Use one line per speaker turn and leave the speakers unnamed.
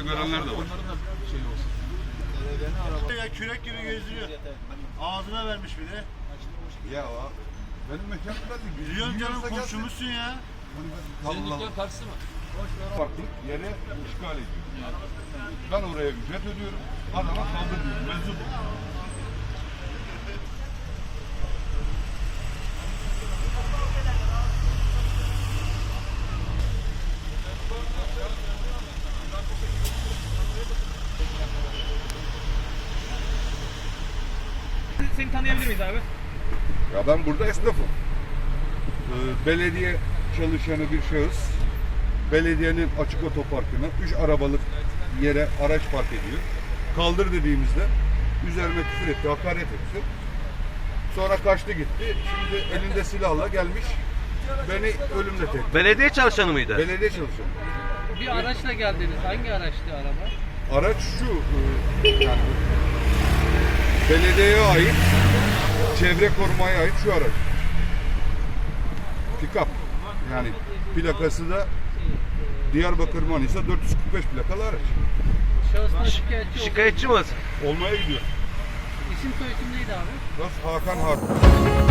görenler de var.
Onların da şey olsun.
Ya kürek gibi gezdiriyor. Ağzına vermiş bir de.
Ya benim mekanımda değil.
Biliyorum canım, komşumuzsun ya.
Senin dükkan karşısı mı?
Farklı yere işgal ediyor. Ben oraya ücret ödüyorum. Adama saldırıyorum. Meczup.
Seni tanıyabilir miyiz abi?
Ya ben burada esnafım. Belediye çalışanı bir şahıs belediyenin açık otoparkına 3 arabalık yere araç park ediyor. Kaldır dediğimizde üzerime küfür etti, hakaret etti. Sonra kaçtı gitti. Şimdi elinde silahla gelmiş beni ölümle tehdit.
Belediye çalışanı mıydı?
Belediye çalışanı.
Bir araçla geldiniz. Hangi araçtı araba?
Araç şu, yani belediyeye ait, çevre korumaya ait şu araç. Pick-up. Yani plakası da Diyarbakır Manisa 445 plakalı araç.
Şahıslar şikayetçi oldu.
Şikayetçi mi?
Olmaya gidiyor.
İsim soyisim neydi abi?
Hakan Harp.